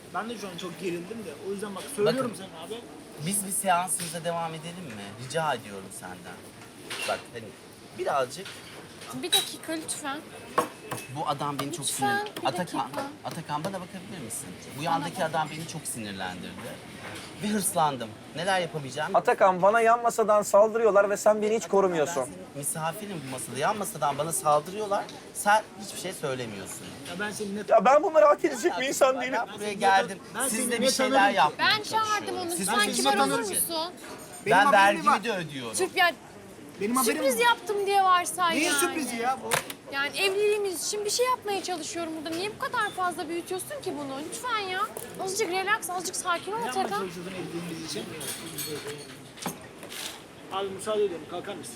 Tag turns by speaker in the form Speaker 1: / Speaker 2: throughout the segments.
Speaker 1: Ben de şu an çok gerildim de. O yüzden bak söylüyorum
Speaker 2: Bakın.
Speaker 1: sana abi.
Speaker 2: Biz bir seansımıza devam edelim mi? Rica ediyorum senden. Bak hani birazcık
Speaker 3: Bir dakika lütfen.
Speaker 2: bu adam beni çok
Speaker 3: Lütfen,
Speaker 2: sinir...
Speaker 3: bir
Speaker 2: Atakan,
Speaker 3: dakika.
Speaker 2: Atakan bana bakabilir misin? Bu yandaki adam beni çok sinirlendirdi. Ve hırslandım. Neler yapabileceğim?
Speaker 4: Atakan, bana yan masadan saldırıyorlar ve sen beni hiç korumuyorsun.
Speaker 2: Ben senin misafirim bu masada. Yan masadan bana saldırıyorlar. Sen hiçbir şey söylemiyorsun.
Speaker 1: Ya ben seni net...
Speaker 4: Ya ben bunları hak edecek bir insan değilim.
Speaker 2: Ben buraya geldim.
Speaker 1: Ben
Speaker 2: Siz
Speaker 1: seni
Speaker 2: de
Speaker 1: ne
Speaker 2: bir şeyler
Speaker 1: tanırım ki?
Speaker 2: yapmaya
Speaker 3: Ben çağırdım
Speaker 2: çalışıyorum.
Speaker 3: onu.
Speaker 2: Siz
Speaker 3: Lütfen
Speaker 1: seni
Speaker 3: kibar olur
Speaker 1: tanırım.
Speaker 3: musun?
Speaker 1: Benim
Speaker 2: Ben
Speaker 1: haberim mi var?
Speaker 2: vergimi de ödüyorum.
Speaker 3: Sırf yani
Speaker 1: Benim haberim
Speaker 3: sürpriz
Speaker 1: mi var?
Speaker 3: yaptım diye varsay
Speaker 1: Neyin
Speaker 3: yani.
Speaker 1: sürprizi ya bu?
Speaker 3: Yani evliliğimiz için bir şey yapmaya çalışıyorum burada. Niye bu kadar fazla büyütüyorsun ki bunu? Lütfen ya. Azıcık relax, azıcık sakin ol
Speaker 1: Ne yapmaya
Speaker 3: Atakan.
Speaker 1: çalışıyordun evliliğimiz için? Abi müsaade ediyorum. Kalkar mısın?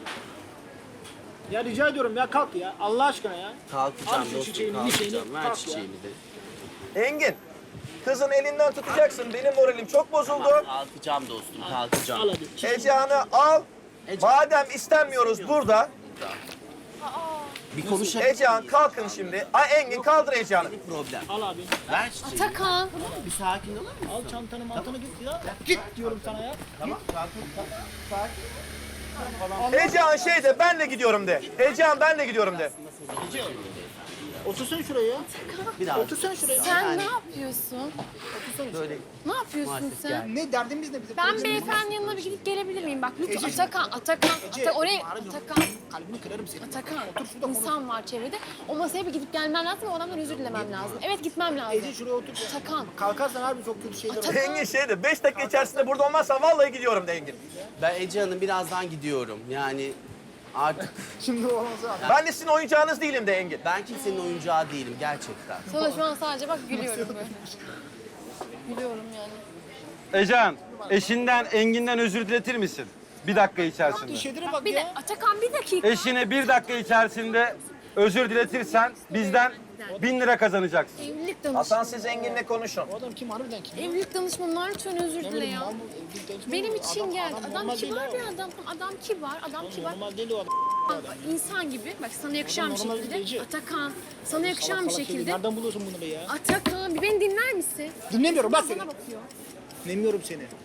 Speaker 1: Ya rica ediyorum ya kalk ya. Allah aşkına ya.
Speaker 2: Kalkacağım
Speaker 1: Al şu
Speaker 2: dostum,
Speaker 1: çiçeğini,
Speaker 2: kalkacağım.
Speaker 1: çiçeğini,
Speaker 2: Ver
Speaker 1: kalk ya.
Speaker 2: çiçeğimi de.
Speaker 4: Engin, kızın elinden tutacaksın. Benim moralim çok bozuldu.
Speaker 2: Kalkacağım dostum, kalkacağım.
Speaker 1: Al hadi.
Speaker 4: Ecehan'ı al. Madem istenmiyoruz burada,
Speaker 2: Bir konuşalım.
Speaker 4: Ecehan kalkın şimdi. Ay Engin, kaldır Ecehan'ı.
Speaker 2: Bir problem.
Speaker 1: Al abi.
Speaker 2: Ver çiçeğimi.
Speaker 3: Atakan.
Speaker 2: Bir sakin olur musun?
Speaker 1: Al çantanı mantana git ya. Git diyorum sana ya.
Speaker 2: Tamam, sakin, sakin.
Speaker 4: Ecehan şeyde, benle gidiyorum de. Ecehan benle gidiyorum de.
Speaker 1: Otursana şuraya ya.
Speaker 2: Bir daha.
Speaker 1: Otursana şuraya.
Speaker 3: Sen
Speaker 2: Yani-
Speaker 3: ne yapıyorsun?
Speaker 2: Böyle
Speaker 3: Ne yapıyorsun
Speaker 2: Maalesef
Speaker 3: sen?
Speaker 2: yani.
Speaker 1: Ne derdimiz ne bizim?
Speaker 3: Ben beyefendinin yanına bir gidip gelebilir miyim? Bak lütfen
Speaker 1: Ece.
Speaker 3: Atakan, oraya Atakan.
Speaker 1: Kalbini kırarım senin.
Speaker 3: Atakan,
Speaker 1: Otur şurada konuş.
Speaker 3: insan var çevrede. O masaya bir gidip gelmen lazım ve o adamdan özür dilemem lazım. Evet gitmem lazım.
Speaker 1: Ece şuraya otur. ya.
Speaker 3: Atakan.
Speaker 1: Kalkarsan harbi çok kötü şeyler olur.
Speaker 4: Engin şeyde, 5 dakika içerisinde burada olmazsan vallahi gidiyorum de Engin.
Speaker 2: ben Ece Hanım birazdan gidiyorum. Yani artık
Speaker 1: Şimdi olmaz abi.
Speaker 4: Ben de sizin oyuncağınız değilim de Engin.
Speaker 2: ben kimsenin oyuncağı değilim gerçekten.
Speaker 3: Sana şu an sadece bak gülüyorum böyle. Gülüyorum yani.
Speaker 5: Ecan, eşinden Engin'den özür diletir misin? Bir dakika içerisinde.
Speaker 1: Şeylere bak
Speaker 3: Bir de
Speaker 1: ya.
Speaker 3: Atakan bir dakika.
Speaker 5: Eşine bir dakika içerisinde özür diletirsen bizden 1000 lira kazanacaksın.
Speaker 3: Evlilik
Speaker 4: Hasan,
Speaker 3: danışmanı.
Speaker 4: siz Engin'le konuşun.
Speaker 1: O adam kim harbiden kim?
Speaker 3: Evlilik danışmanından lütfen özür dile ya.
Speaker 1: Mal mı? Evlilik danışmanı
Speaker 3: Benim
Speaker 1: mı?
Speaker 3: için geldi. Adam
Speaker 1: normal değil
Speaker 3: kibar
Speaker 1: abi.
Speaker 3: bir adam. Adam kibar, adam kibar.
Speaker 1: Normal değil o adam.
Speaker 3: İnsan gibi. Bak sana yakışan bir
Speaker 1: normal
Speaker 3: şekilde.
Speaker 1: değil.
Speaker 3: Atakan, sana yakışan bir
Speaker 1: Salak şey.
Speaker 3: şekilde.
Speaker 1: Nereden buluyorsun bunu be ya?
Speaker 3: Atakan, bir beni dinler misin?
Speaker 1: Dinlemiyorum bak seni.
Speaker 3: Sana bakıyor.
Speaker 1: Dinlemiyorum seni.